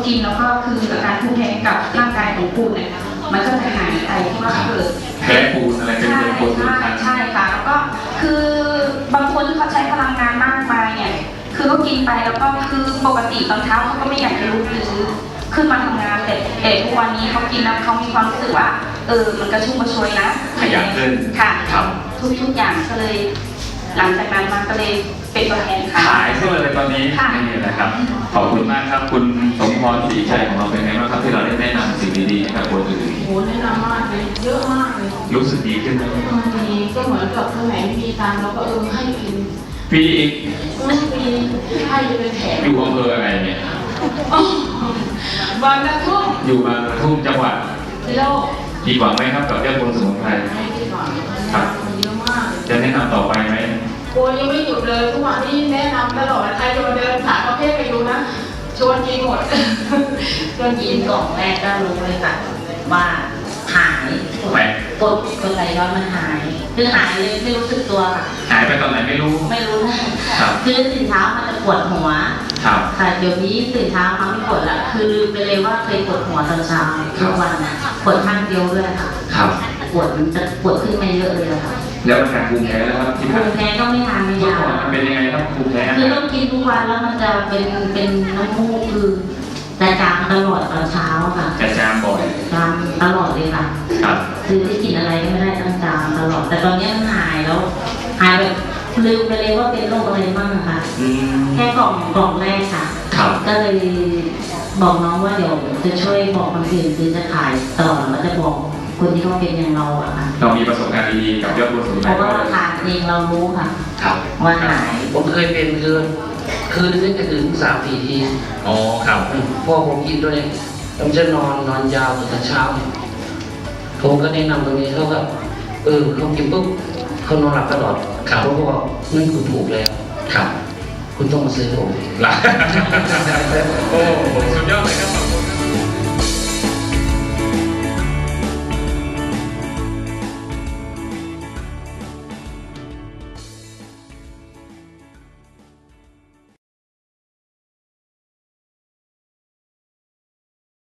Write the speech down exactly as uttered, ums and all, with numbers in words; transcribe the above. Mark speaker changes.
Speaker 1: กินแล้วก็คืออาการภูมิแพ้กับร่างกายของปูเนี่ยมันก็จะหายไปที่ว่าเกิด
Speaker 2: แพ้ปูนอะไรเป็น
Speaker 1: ใช่
Speaker 2: เป็นปูน
Speaker 1: ใช่ใช่ค่ะแล้วก็คือบางคนที่เขาใช้พลังงานมากมายเนี่ยคือเขากินไปแล้วก็คือปกติตอนเช้าเขาก็ไม่อยากจะลุกหรือขึ้นมาทำงานแต่แต่ทุกวันนี้เขากินแล้วเขามีความรู้สึกว่าเออมันกระชุ่มกระชวยนะ
Speaker 2: ขยันขึ้น
Speaker 1: ค่ะ
Speaker 2: ครับ
Speaker 1: ทุกทุกอย่างก็เลยหลังจากนั้นมาก็เลยเป็นตัวแทนค่ะ
Speaker 2: ขายเสื้อเลยตอนนี้นี่นะครับขอบคุณมากครับคุณสมพรศรีชัยของเราเป็นไงบ้างครับที่เราได้แนะนำสิ่งดีๆให้กับคนอื่น
Speaker 3: โหแนะนำมากเลยเยอะมากเลย
Speaker 2: รู้สึกดีขึ้นไหม
Speaker 3: ดีก็เหมือนกับคนไหนไม่มีตังค์เราก็เออให้กิน
Speaker 2: ฟรีอีก
Speaker 3: ไม่ฟรีให้เป็นแถม
Speaker 2: อยู่อำเภออะไรเนี่ย
Speaker 3: บางกระทุ่ม
Speaker 2: อยู่บางกระทุ่มจังหวัด
Speaker 3: โลก
Speaker 2: ดีกว่าไหมครับกับเรื่องคนสมุนไพร
Speaker 3: ไม่ดีกว่า
Speaker 2: ครับ
Speaker 3: เยอะมาก
Speaker 2: จะแนะนำต่อไปไหม
Speaker 3: โอ้ยังไม่หยุดเลยทุกวันนี้แนะนำตลอดใครจะมาเดินผ่านประเภทไปดูนะชวนกินหมดชวนกิน
Speaker 4: กล่องแรกก็รู้เลยค่ะว่าหายกดกดไหลย้อนมันหายคือหายเลยไม่รู้สึกตัวค่ะ
Speaker 2: หายไปตอนไหนไม่รู้
Speaker 4: ไม่รู้นะครับคือตื่นเช้ามันจะปวดหัว
Speaker 2: ครับ
Speaker 4: ค่ะเดี๋ยวนี้ตื่นเช้ามันไม่ปวดละคือลืมไปเลยว่าเคยปวดหัวตอนเช้าทุกวันปวดข้างเดียวด้วยค่ะ
Speaker 2: ครับ
Speaker 4: ปวดมันจะปวดขึ้นมาเยอะเลยค่ะ
Speaker 2: แล้วอาการภูมิแพ้แล้วครับที่
Speaker 4: ภูมิแพ้ก็ไม่ทานไม่ยา
Speaker 2: มันเป็นยังไงครับภูมิแพ้
Speaker 4: คือต้องกินทุกวันแล้วมันจะเป็นเป็นน้ำมูกคือจะจามตลอดตอนเช้าค่ะ
Speaker 2: จะจามบ่อย
Speaker 4: จามตลอดเลยค่ะ
Speaker 2: ครับ
Speaker 4: คือที่กินอะไรก็ไม่ได้ต้องจามตลอดแต่ตอนนี้มันหายแล้วหายแบบลืมไปเลยว่าเป็นโรคอะไรบ้างค่ะแค่กล่องกล่องแรกค่ะก็เลยบอกน้องว่าเดี๋ยวจะช่วยบอกคนอื่นคือจะขายต่อแล้วจะบอกคนที่เขาเป็นอย่างเราอะค่ะ
Speaker 2: เรามีประสบการณ์ดีๆกับยอดบุญสมุนไพร
Speaker 4: เพราะว่าทานเองเรารู้ค่ะว่าหาย
Speaker 5: ผมเคยเป็นคือคืนนึงจะถึงสามสี่ที
Speaker 2: อ๋อครับ
Speaker 5: พอผมกินตัวนี้ผมจะนอนนอนยาวถึงเช้าผมก็แนะนำตรงนี้เขาก็เออเขากินปุ๊บเขานอนหลับตลอดผมก็บอกนั่นคุณถูกแล้ว
Speaker 2: ครับ
Speaker 5: คุณต้องมาซื้อผม
Speaker 2: หลับโอ้สุดยอดเลยครับ